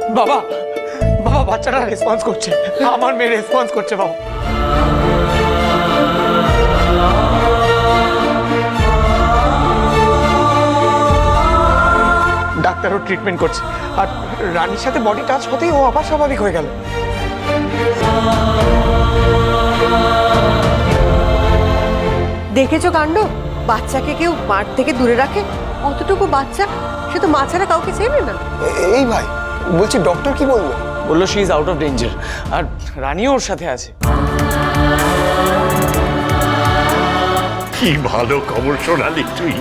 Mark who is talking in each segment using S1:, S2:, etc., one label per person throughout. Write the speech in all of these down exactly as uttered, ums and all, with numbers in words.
S1: বাবা বাবা বাচ্চাটা রেসপন্স করছে, আমার মেয়ে রেসপন্স করছে বাবা। ডাক্তারও ট্রিটমেন্ট করছে, আর রানীর সাথে বডি টাচ হতেই ও আবার স্বাভাবিক হয়ে গেল।
S2: দেখেছো কাণ্ড, বাচ্চাকে কেউ মাঠ থেকে দূরে রাখে? অতটুকু বাচ্চা, সে তো মা ছাড়া কাউকে চেনে না।
S3: এই ভাই বলছি, ডক্টর কি বললো?
S1: বললো she is out of danger, আর রানীও ওর সাথে আছে।
S4: কি ভালো খবর শোনালি তুই।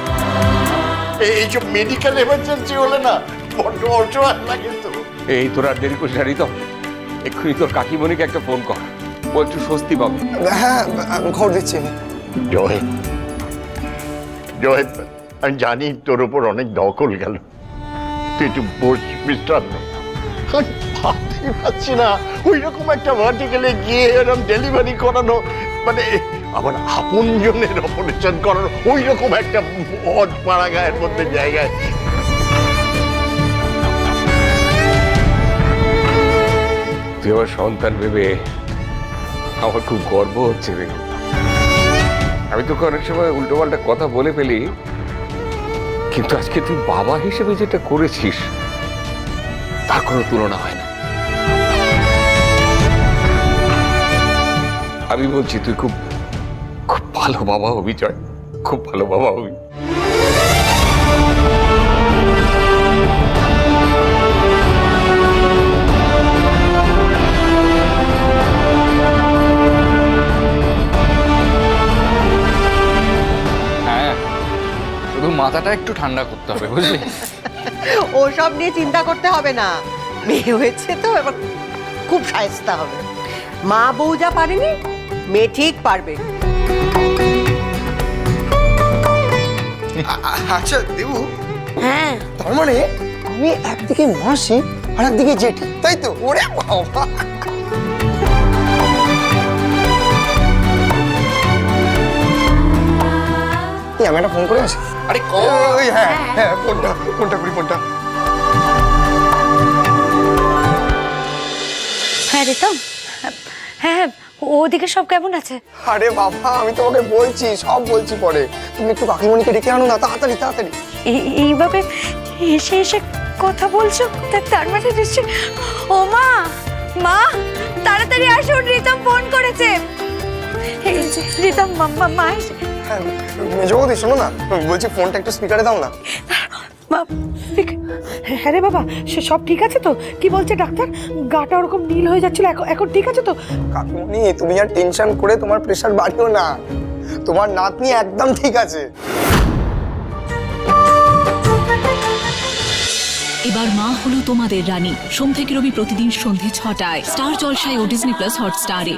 S4: এইসব মেডিকেল এমার্জেন্সি হলে না বড্ড অসহায় লাগে তো।
S5: এই তোর আর দেরি করিস না রিতম, এক্ষুনি তোর কাকিমণিকে একটা ফোন কর, ও একটু স্বস্তি পাবে।
S3: হ্যাঁ আমি খবর দিচ্ছি।
S4: জয় জয়, আমি জানি তোর ওপর অনেক দখল গেল, তুই একটু বস, বিশ্রাম নে। আমি ভাবতেই পারছি না ওই রকম একটা ভার্টিকেলে গিয়ে এরকম ডেলিভারি করানো, মানে আমার আপন জনের অপারেশন করানো, ওই রকম একটা অজ পাড়া গায়ের মধ্যে জায়গায়।
S5: তুই আমার সন্তান ভেবে আমার খুব গর্ব হচ্ছে রে। আমি তোকে অনেক সময় উল্টো পাল্টা কথা বলে ফেলি, কিন্তু আজকে তুই বাবা হিসেবে যেটা করেছিস তার কোনো তুলনা হয় না। আমি বলছি তুই খুব খুব ভালো বাবা হবি জয়, খুব ভালো বাবা হবি।
S6: হ্যাঁ, শুধু মাথাটা একটু ঠান্ডা করতে হবে, বুঝলি?
S2: ওসব নিয়ে চিন্তা করতে হবে না, মেয়ে হয়েছে তো এবার খুব শায়েস্তা হবে। মা বউ যা পারেনি, মেয়ে ঠিক পারবে।
S3: আচ্ছা দেবু,
S2: হ্যাঁ,
S3: তার মানে আমি একদিকে মাসি আর একদিকে জেঠি, তাই তো? ওরে বাবা, আমি একটা ফোন করে আসি।
S6: আরে
S3: ওই হ্যাঁ হ্যাঁ ফোনটা ফোনটা করি ফোনটা।
S7: হ্যাঁ রিতম, হ্যাঁ হ্যাঁ, ওদিকে সব কেমন আছে?
S3: আরে বাবা, আমি তোমাকে বলছি, সব বলছি পরে। তুমি একটু কাকিমণিকে ডেকে আনো না, তাড়াতাড়ি তাড়াতাড়ি।
S7: এই- এইভাবে এসে এসে কথা বলছো, তা- তার মানে নিশ্চয়। ও মা, মা তাড়াতাড়ি আসুন, রিতম ফোন করেছে। এই যে, রিতম মা, মা- মা এসে-
S3: হ্যাঁ মেজবৌদি, শোনো না, বলছি ফোনটা একটু স্পিকারে দাও না।
S7: মা,
S2: হ্যাঁ রে বাবা, সে সব ঠিক আছে তো? কি বলছে ডাক্তার? গাটা ওরকম নীল হয়ে যাচ্ছিল, এখন এখন ঠিক আছে তো?
S3: কাকিমণি, তুমি আর টেনশন করে তোমার প্রেশার বাড়িও না, তোমার নাতনি একদম ঠিক আছে।
S8: এবার মা হলো তোমাদের রানী, সোম থেকে রবি প্রতিদিন সন্ধে ছটায় স্টার জলসায় ও ডিজনি প্লাস হটস্টারে।